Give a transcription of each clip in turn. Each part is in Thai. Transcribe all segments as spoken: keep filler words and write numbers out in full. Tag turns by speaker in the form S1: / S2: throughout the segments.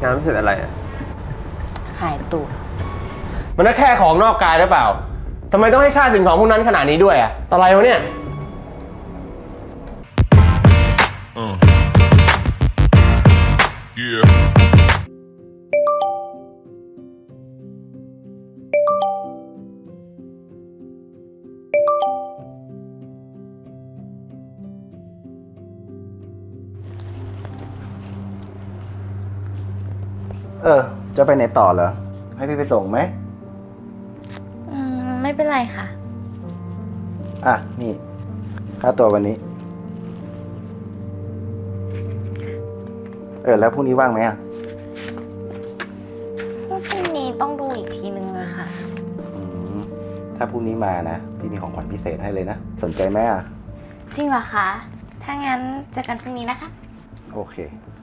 S1: งานพิเศษอะไรอ่ะ
S2: ขายตั๋ว
S1: มันก็แค่ของนอกกายหรือเปล่าทำไมต้องให้ค่าสิ่งของพวกนั้นขนาดนี้ด้วยอ่ะอะไรวะเนี่ย
S3: Uh. Yeah.
S4: เออ จะไปไหนต่อเหรอ ให้พี่ไปส่งไหม
S2: อืมไม่เป็นไรค่ะ
S4: อ่ะ นี่ ค่าตัววันนี้ เออ แล้วพรุ่งนี้ว่างไหมอ่ะ
S2: พรุ่งนี้ต้องดูอีกทีนึงอะค่ะ
S4: อืม ถ้าพรุ่งนี้มานะ พี่มีของขวัญพิเศษให้เลยนะ สนใจไหมอ่ะ
S2: จริงเหรอคะ ถ้างั้นเจอกันพรุ่งนี้นะคะ
S4: โอเค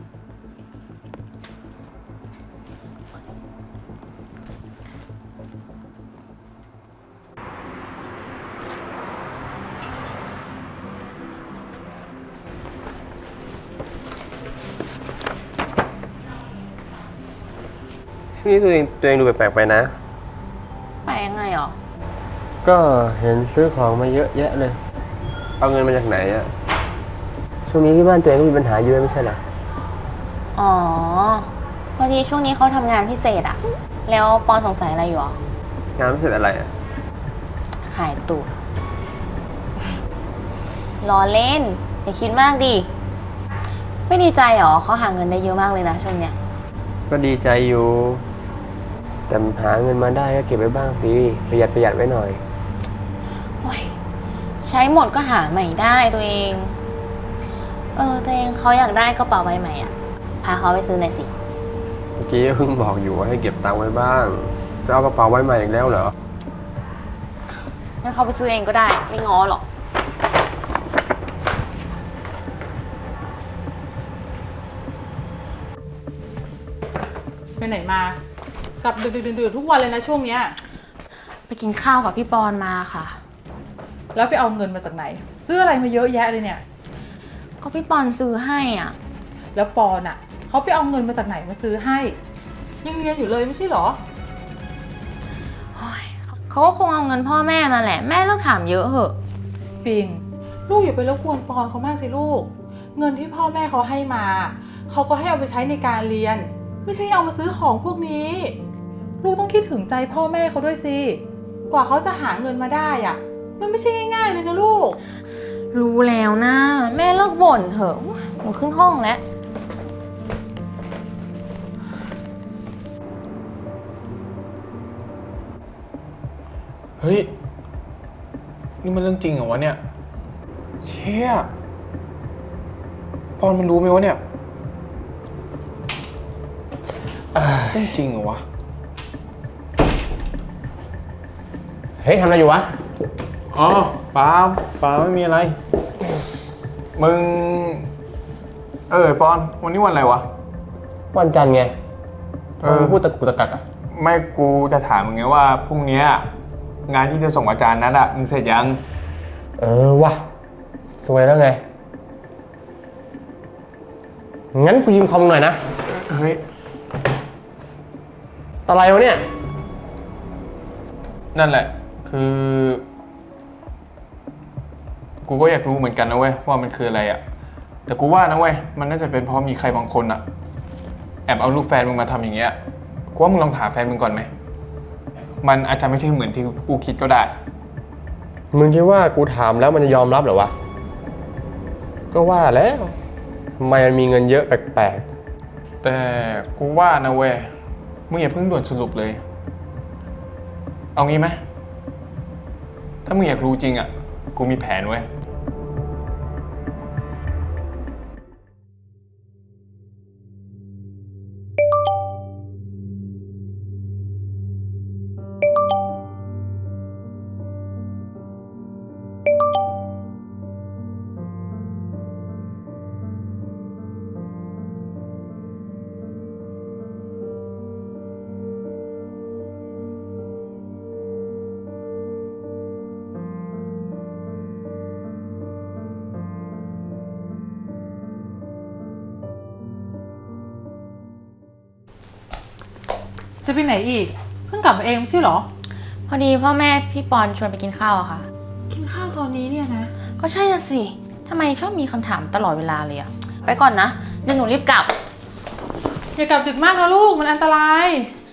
S1: ช่วงนี้ตัวเองตัวเองดูแปลกๆไปนะ
S2: ไปยังไงหรอ
S1: ก็เห็นซื้อของมาเยอะแยะเลยเอาเงินมาจากไหนอ่ะช่วงนี้ที่บ้านตัวเองก็มีปัญหาเยอะไม่ใช่เหรอ
S2: อ๋อพอดีช่วงนี้เขาทำงานพิเศษอะแล้วปอนสงสัยอะไรอยู่หร
S1: งานพิเศษอะไรอ่ะ
S2: ขายตั๋วล้อเล่นอย่าคิดมากดิไม่ดีใจหรอเขาหาเงินได้เยอะมากเลยนะช่วงเนี้ย
S1: ก็ดีใจอยู่แต่หาเงินมาได้ก็เก็บไว้บ้างสิประหยัดประหยัดไว้หน่อย
S2: โอ้ยใช้หมดก็หาใหม่ได้ตัวเองเออตัวเองเขาอยากได้กระเป๋าใบใหม่อ่ะพาเขาไปซื้อหน่อยสิ
S1: เมื่อกี้เพิ่งบอกอยู่ว่าให้เก็บตังค์ไว้บ้างจะเอากระเป๋าไว้ใหม่อีกแล้วเหรอ
S2: งั้นเขาไปซื้อเองก็ได้ไม่ง้อหรอก
S5: ไปไหนมากลับดึกๆดื่นๆทุกวันเลยนะช่วงเนี้ย
S2: ไปกินข้าวกับพี่ปอนมาค่ะ
S5: แล้วไปเอาเงินมาจากไหนซื้ออะไรมาเยอะแยะเลยเนี่ย
S2: ก็พี่ปอนซื้อให้อ่ะ
S5: แล้วปอนอ่ะเขาไปเอาเงินมาจากไหนมาซื้อให้ยังเรียนอยู่เลยไม่ใช่หรอ
S2: เขาก็คงเอาเงินพ่อแม่มาแหละแม่เลิกถามเยอะเหอะ
S5: ปิงลูกอย่าไปรบกวนปอนเขามากสิลูกเงินที่พ่อแม่เขาให้มาเขาก็ให้เอาไปใช้ในการเรียนไม่ใช่เอามาซื้อของพวกนี้ลูกต้องคิดถึงใจพ่อแม่เขาด้วยสิกว่าเขาจะหาเงินมาได้อ่ะมันไม่ใช่ง่ายๆเลยนะลูก
S2: รู้แล้วนะแม่เลิกบ่นเถอะหมดขึ้นห้องแล้ว
S6: เฮ้ยนี่มันเรื่องจริงเหรอวะเนี่ยเชี่ยปอนมันรู้ไหมวะเนี่ยเรื่องจริงเหรอวะ
S1: เฮ้ยทำอะไรอยู่วะ
S6: อ๋อเปล่าเปล่าไม่มีอะไรมึงเออปอนวันนี้วันอะไรวะ
S1: วันจันทร์ไง
S6: เออ
S1: พูดตะกุกตะกักอ่ะ
S6: ไม่กูจะถามมึงไงว่าพรุ่งนี้งานที่จะส่งอาจารย์นัดอะมึงเสร็จยัง
S1: เออวะสวยแล้วไงงั้นกูยืมคอมหน่อยนะ
S6: เฮ้ย
S1: อะไรวะเนี่ย
S6: นั่นแหละคือกูก็อยากรู้เหมือนกันนะเว้ยว่ามันคืออะไรอะแต่กูว่านะเว้ยมันน่าจะเป็นเพราะมีใครบางคนอะแอบเอารูปแฟนมึงมาทำอย่างเงี้ยกูว่ามึงลองถามแฟนมึงก่อนไหมมันอาจจะไม่ใช่เหมือนที่กูคิดก็ได้
S1: มึงคิดว่ากูถามแล้วมันจะยอมรับเหรอวะก็ว่าแล้วทำไมมันมีเงินเยอะแปลก
S6: ๆแต่กูว่านะเว้ยมึงอย่าเพิ่งด่วนสรุปเลยเอางี้ไหมถ้ามึงอยากรู้จริงอ่ะกูมีแผนเว้ย
S5: จะไปไหนอีก เพิ่งกลับมาเองไม่ใช่เหรอ
S2: พอดีพ่อแม่พี่ปอนชวนไปกินข้าวอะค่ะ
S5: กินข้าวตอนนี้เนี่ยนะ
S2: ก็ใช่น่ะสิทำไมชอบมีคำถามตลอดเวลาเลยอะไปก่อนนะเดี๋ยวหนูรีบกลับ
S5: อย่ากลับดึกมากนะลูกมันอันตราย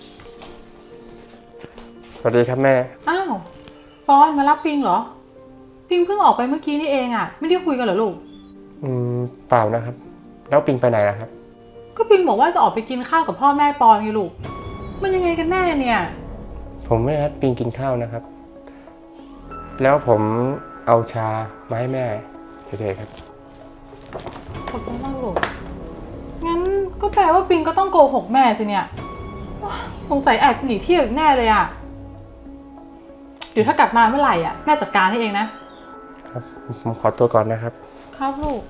S1: สวัสดีครับแม่
S5: อ้าวปอนมารับปิงเหรอ ปิงเพิ่งออกไปเมื่อกี้นี่เองอะไม่ได้คุยกันเหรอลูก
S1: อืมเปล่านะครับ แล้วปิงไปไหนล่ะครับ
S5: ก็ปิงบอกว่าจะออกไปกินข้าวกับพ่อแม่ปอนไงลูก มันยังไงกันแน่เนี่ย
S1: ผมไม่นัดปิงกินข้าวนะครับ แล้วผมเอาชามาให้แม่เฉยๆครับ
S5: ขอบใจมากลูก งั้นก็แปลว่าปิงก็ต้องโกหกแม่สิเนี่ยว้าสงสัยแอบหนีเที่ยวอีกแน่เลยอะเดี๋ยวถ้ากลับมาเมื่อไหร่อะแม่จัดการให้เองนะ
S1: ครับ ผมขอตัวก่อนนะครับ
S5: ครับลูก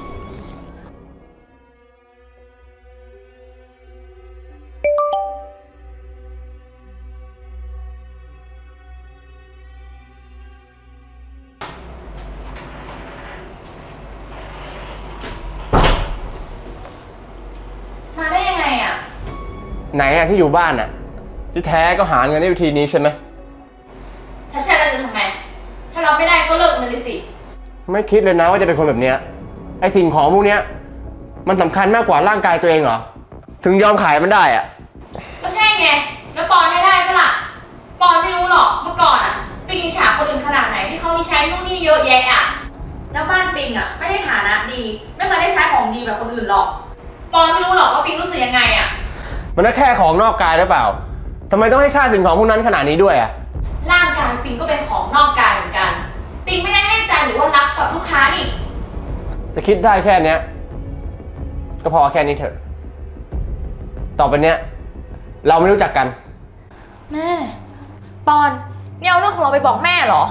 S2: มาได้ยังไงอะ
S1: ไหนอะที่อยู่บ้านอะที่แท้ก็หาเงินได้วิธีนี้ใช่ไหม
S2: ถ้าใช่แล้วจะทำไม ถ้าเราไม่ได้ก็เลิกมันเลยสิ
S1: ไม่คิดเลยนะว่าจะเป็นคนแบบเนี้ยไอสิ่งของพวกเนี้ยมันสำคัญมากกว่าร่างกายตัวเองเหรอ ถึงยอมขายมันได้อะ
S2: ก็ใช่ไง แล้วปอนให้ได้ปะล่ะ ปอนไม่รู้หรอกเมื่อก่อนอะไปกินฉาคนอื่นขนาดไหนที่เขามีใช้นู่นนี่เยอะแยะอะแล้วบ้านปิงอะไม่ได้ฐานะดี ไม่เคยได้ใช้ของดีแบบคนอื่นหรอก ปอนไม่รู้หรอกว่าปิงรู้สึกยังไงอะ
S1: มันก็แค่ของนอกกายหรือเปล่าทำไมต้องให้ค่าสิ่งของพวกนั้นขนาดนี้ด้วยอะ
S2: ร่างกายปิงก็เป็นของนอกกายเหมือนกัน ปิงไม่ได้ให้ใจหรือว่ารักกับลูกค้านี่
S1: จะคิดได้แค่เนี้ยก็พอแค่นี้เถอะ ต่อไปเนี้ยเราไม่รู้จักกัน
S2: แม่ ปอนเนี่ยเอาเรื่องของเราไปบอกแม่เหรอ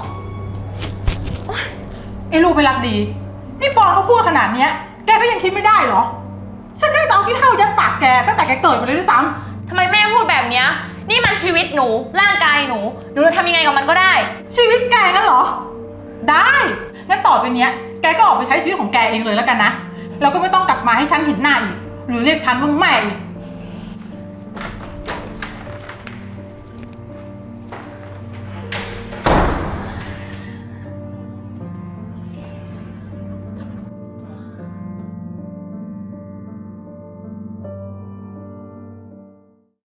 S5: ไอ้ลูกไปรักดี นี่ปอนเขาพูดขนาดเนี้ย แกก็ยังคิดไม่ได้เหรอ ฉันได้จะเอาขี้เท่ายัดปากแกตั้งแต่แกเกิดมาเลยด้วยซ้
S2: ทำไมแม่พูดแบบเนี้ยนี่มันชีวิตหนู ร่างกายหนู หนูจะทำยังไงกับมันก็ได้
S5: ำชีวิตแกงั้นเหรอ ได้ งั้นต่อไปเนี้ย แกก็ออกไปใช้ชีวิตของแกเองเลยแล้วกันนะ แล้วก็ไม่ต้องกลับมาให้ฉันเห็นหน้าอีก หรือเรียกฉันว่าแม่อีก